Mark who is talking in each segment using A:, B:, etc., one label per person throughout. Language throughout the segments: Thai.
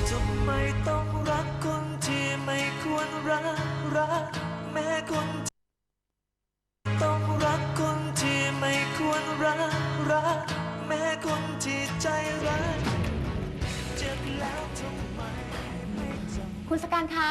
A: ทำไมต้องรักคนที่ไม่ควรรักแม้คนต้องรักคนที่ไม่ควรรักแม้คนที่ใจร้ายเจ็บแล้วทำไมไม่จำ
B: คุณสการคะ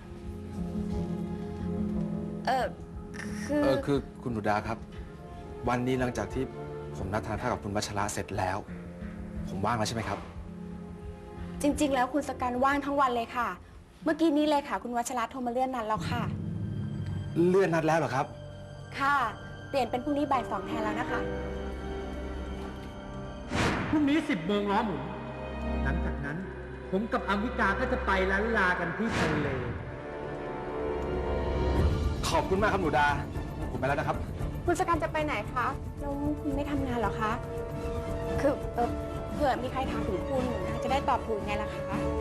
C: คือคุณหนูดาครับ วันนี้หลังจากที่ผมนัดทานข้าวกับคุณวัชระเสร็จแล้ว ผมว่างแล้วใช่ไหมครับ
B: จริงๆแล้วคุณสการว่างทั้งวันเลยค่ะ เมื่อกี้นี้เลยค่ะ คุณวัชระโทรมาเลื่อนนัดแล้วค่ะ
C: เลื่อนนัดแล้วเหรอครับ
B: ค่ะ เปลี่ยนเป็นพรุ่งนี้บ่าย 2แทนแล้วนะคะ
D: พรุ่งนี้10 โมงล้อหมุน หลังจากนั้นผมกับอมิกาก็จะไปล้านลากันที่ทะเล
C: ขอบคุณมากครับหนูดา ผมไปแล้วนะครับ
B: คุณสการจะไปไหนคะแล้วคุณไม่ทำงานเหรอคะ คือเผื่อมีใครถามถึงคุณจะได้ตอบถูกไงล่ะคะ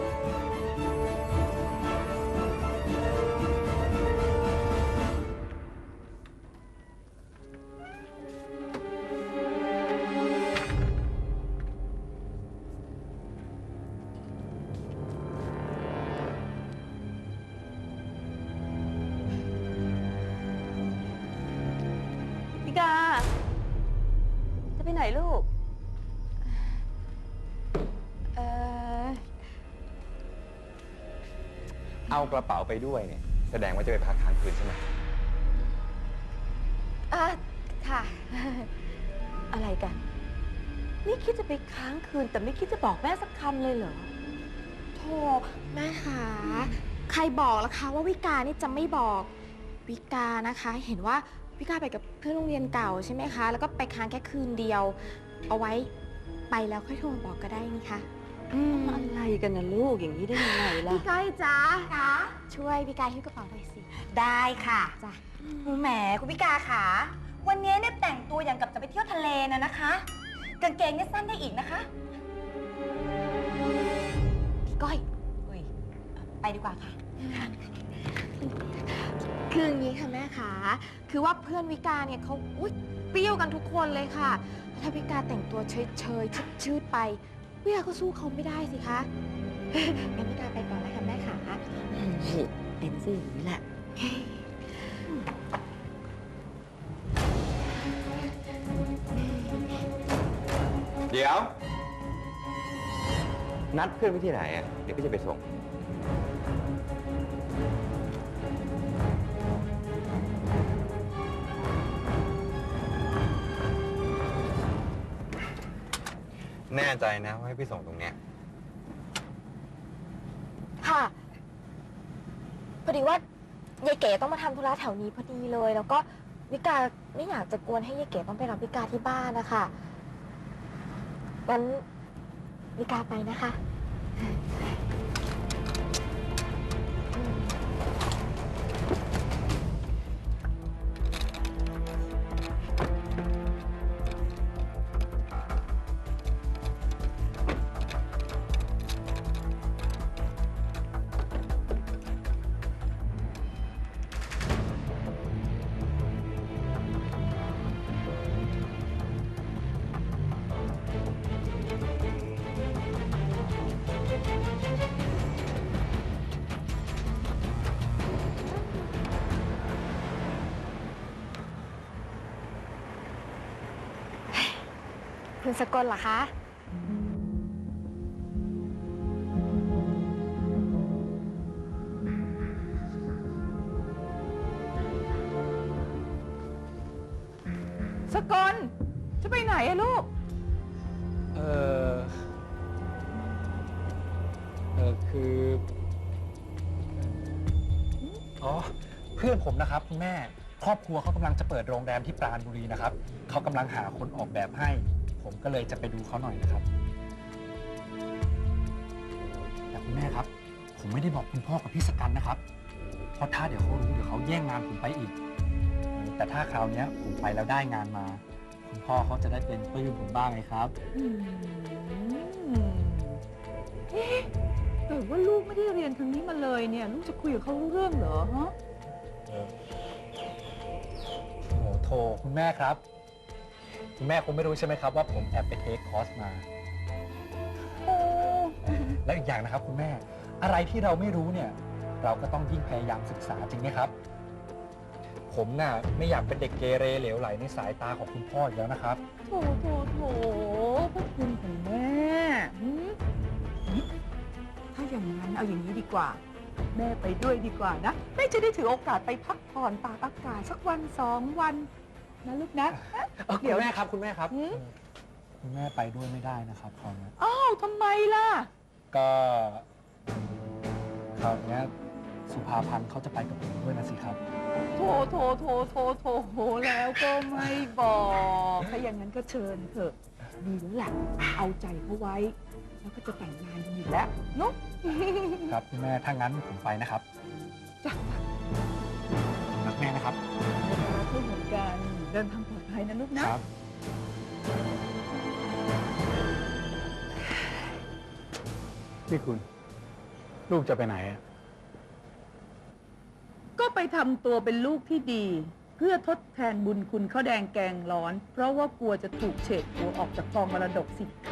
E: พิกา จะไปไหนลูก
F: เอากระเป๋าไปด้วยเนี่ยแสดงว่าจะไปพักค้างคืนใช่ไหม
E: ค่ะ อะไรกัน นี่คิดจะไปค้างคืนแต่ไม่คิดจะบอกแม่สักคำเลยเหรอ
B: โธ่แม่คะใครบอกล่ะคะว่าวิกานี่จะไม่บอกวิกานะคะ เห็นว่าวิกาไปกับเพื่อนโรงเรียนเก่าใช่ไหมคะ แล้วก็ไปค้างแค่คืนเดียว เอาไว้ไปแล้วค่อยโทรมาบอกก็ได้นี่คะ
E: อะไรกันนะลูกอย่างนี้ได้ยังไงล่ะ
B: พี่ก้อยจ๊ะคะช่วยพี่กายหิ้วกระเป๋าหน่อยสิ
G: ได้ค่ะ
B: จ้ะ
G: แหมคุณพิกาค่ะ วันนี้เนี่ยแต่งตัวอย่างกับจะไปเที่ยวทะเลนะคะ กางเกงเนี่ยสั้นได้อีกนะคะ
B: พี่ก้อย
G: อุ้ยไปดีกว่าค่ะ
B: คืออย่างนี้ค่ะแม่คะคือว่าเพื่อนวิกาเนี่ยเขาเปรี้ยวกันทุกคนเลยค่ะ ถ้าวิกาแต่งตัวเฉยๆชืดๆไปวิกาก็สู้เขาไม่ได้สิคะ งั้นวิกาไปก่อนนะคะแม่ขา
E: เป็นสิอย่างนี้แหละ
F: เดี๋ยว นัดเพื่อนไว้ที่ไหนอ่ะเดี๋ยวพี่จะไปส่ง แน่ใจนะว่าให้พี่ส่งตรงเนี้ย
B: ค่ะพอดีว่ายายเก๋ต้องมาทำธุระแถวนี้พอดีเลย แล้วก็วิกาไม่อยากจะกวนให้ยายเก๋ต้องไปรับวิกาที่บ้านนะคะงั้นวิกาไปนะคะ คุณสกลเหรอคะ
E: สกล จะไปไหนอะลูก
D: คือ อ๋อ เพื่อนผมนะครับคุณแม่ ครอบครัวเขากำลังจะเปิดโรงแรมที่ปราณบุรีนะครับ เขากำลังหาคนออกแบบให้ ผมก็เลยจะไปดูเขาหน่อยนะครับ แต่คุณแม่ครับ ผมไม่ได้บอกคุณพ่อกับพี่สกันนะครับ เพราะถ้าเดี๋ยวเขารู้เดี๋ยวเขาแย่งงานผมไปอีก แต่ถ้าคราวนี้ผมไปแล้วได้งานมา คุณพ่อเขาจะได้เป็นปลื้มผมบ้างไงครับ
E: แต่ว่าลูกไม่ได้เรียนทางนี้มาเลยเนี่ย ลูกจะคุยกับเขารู้เรื่องเหรอฮะ
D: โอ้โหโทคุณแม่ครับ คุณแม่คงไม่รู้ใช่ไหมครับว่าผมแอบไปเทคคอร์สมา
E: โอ้
D: และอีกอย่างนะครับคุณแม่ อะไรที่เราไม่รู้เนี่ย เราก็ต้องยิ่งพยายามศึกษาจริงไหมครับ ผมน่ะไม่อยากเป็นเด็กเกเรเหลวไหลในสายตาของคุณพ่ออีกแล้วนะครับ
E: โถพระคุณของแม่ถ้าอย่างนั้นเอาอย่างนี้ดีกว่า แม่ไปด้วยดีกว่านะแม่จะได้ถือโอกาสไปพักผ่อนตากอากาศสักวัน2 วันนะลูกนะ
D: คุณแม่ครับคุณแม่ครับ
E: หืม
D: คุณแม่ไปด้วยไม่ได้นะครับคราวนี้
E: อ้าวทำไมล่ะ
D: ก็คราวนี้สุภาพันธ์เขาจะไปกับผมด้วยนะสิครับ
E: โถแล้วก็ไม่บอกถ้าอย่างนั้นก็เชิญเถอะดีแล้วแหละเอาใจเขาไว้ แล้วก็จะแต่งงานกันอยู่แล้วเนาะ
D: ครับคุณแม่ถ้างั้นผมไปนะครับ
E: จ้ะ
D: รักแม่นะครับ
E: รักลูกเหมือนกันเดินทางปลอดภัยนะลูกนะ
D: ครับ
H: นี่คุณ ลูกจะไปไหนอะ
E: ก็ไปทำตัวเป็นลูกที่ดี เพื่อทดแทนบุญคุณข้าวแดงแกงร้อน เพราะว่ากลัวจะถูกเฉดหัวออกจากกองมรดกสิคะ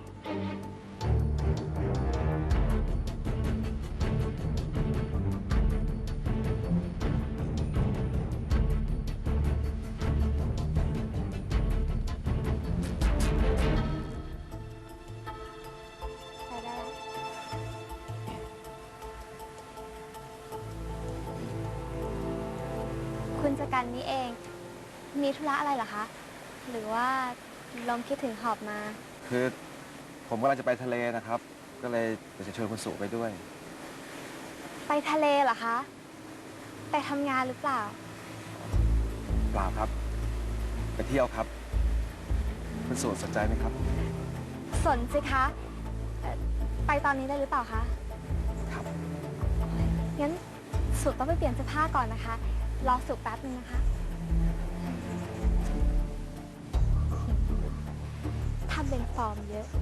B: ไปได้แล้วคุณสกันนี่เอง มีธุระอะไรเหรอคะ หรือว่าลมคิดถึงหอบมา
C: คือผมกำลังจะไปทะเลนะครับ ก็เลยอยากจะชวนคุณสุไปด้วย
B: ไปทะเลเหรอคะ ไปทำงานหรือเปล่า
C: เปล่าครับ ไปเที่ยวครับ คุณสุสนใจไหมครับ
B: สนสิคะไปตอนนี้ได้หรือเปล่าคะ
C: ครับ
B: งั้นสุต้องไปเปลี่ยนเสื้อผ้าก่อนนะคะ รอสุแป๊บนึงนะคะทำเป็นฟอร์มเยอะ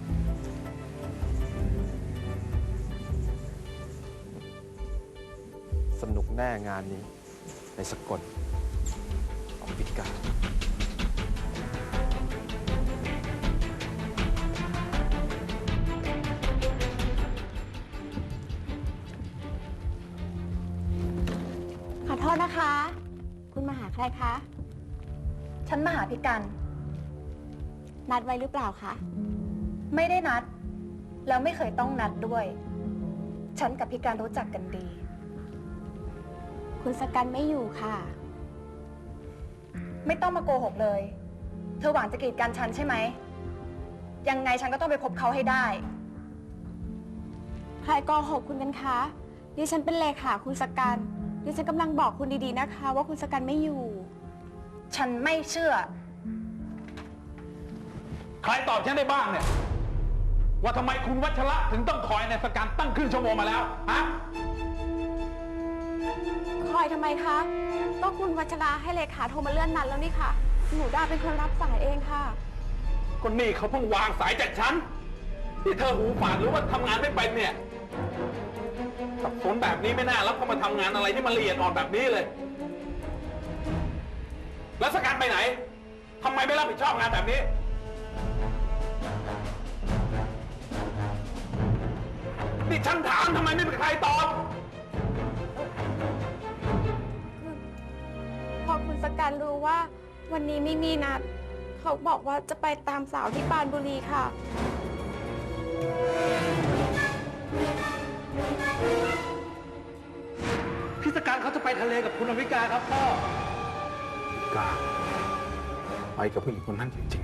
C: สนุกแน่งานนี้ในสกลของวิกา
B: ขอโทษนะคะ คุณมาหาใครคะ
G: ฉันมาหาพี่กัน
B: นัดไว้หรือเปล่าคะ
G: ไม่ได้นัด แล้วไม่เคยต้องนัดด้วย ฉันกับพี่กันรู้จักกันดี
B: คุณสกันไม่อยู่ค่ะ
G: ไม่ต้องมาโกหกเลย เธอหวังจะกีดกันฉันใช่ไหม ยังไงฉันก็ต้องไปพบเขาให้ได้
B: ใครโกหกคุณกันคะ ดิฉันเป็นเลขาคุณสกัน ดิฉันกำลังบอกคุณดีๆนะคะ ว่าคุณสกันไม่อยู่
G: ฉันไม่เชื่อ
H: ใครตอบฉันได้บ้างเนี่ย ว่าทำไมคุณวัชระถึงต้องคอยในสการตั้งครึ่งชั่วโมงมาแล้วฮะ
B: คอยทำไมคะ ก็คุณวัชราให้เลขาโทรมาเลื่อนนัดแล้วนี่ค่ะ หนูดาเป็นคนรับสายเองค่ะ
H: ก็นี่เขาเพิ่งวางสายจากฉันที่เธอหูฝาดหรือว่าทำงานไม่เป็นเนี่ยสับสนแบบนี้ไม่น่ารับเขามาทำงานอะไรที่มันละเอียดอ่อนแบบนี้เลย แล้วสการไปไหนทำไมไม่รับผิดชอบงานแบบนี้ นี่ฉันถามทำไมไม่มีใครตอบ
B: พอคุณสกันรู้ว่าวันนี้ไม่มีนัด เขาบอกว่าจะไปตามสาวที่ปรานบุรีค่ะ
D: พิสการเขาจะไปทะเลกับคุณอวิกาครับพ่อ
H: กล้าไปกับผู้หญิงคนนั้นจริง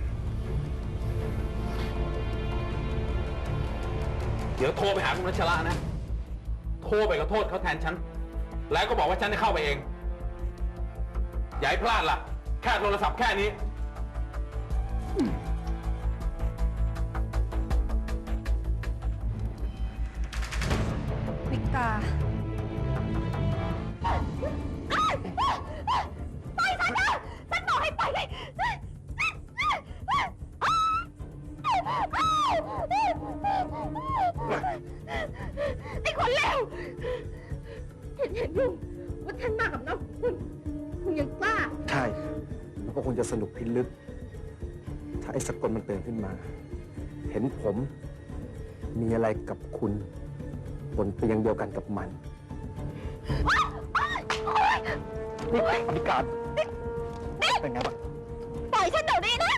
H: ๆ เดี๋ยวโทรไปหาคุณรัชระนะ โทรไปขอโทษเขาแทนฉัน แล้วก็บอกว่าฉันได้เข้าไปเอง อย่าให้พลาดล่ะ แค่โทรศัพท์แค่นี้
G: วิกา
B: ไปฉันนะฉันบอกให้ไปเลย ไอ้คนเลวเห็นอยู่ว่าฉันมากับน้องคุณยังกล้า
C: ใช่ แล้วก็คงจะสนุกพิลึก ถ้าไอ้สกลมันเตือนขึ้นมา เห็นผมมีอะไรกับคุณบนเตียงเดียวกันกับมัน
D: นี่พิการเป็นไงบ้าง
G: ปล่อยฉันเดี๋ยวนี้นะ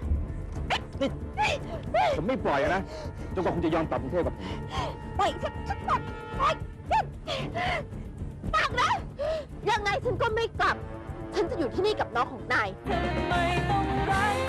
D: ผมไม่ปล่อยนะจนกว่าคุณจะยอมกลับกรุงเทพกับผม
G: ปล่อยฉันก่อนปล่อยฉันปักนะ ยังไงฉันก็ไม่กลับ ฉันจะอยู่ที่นี่กับน้องของนาย
A: ไม่ต้องรัก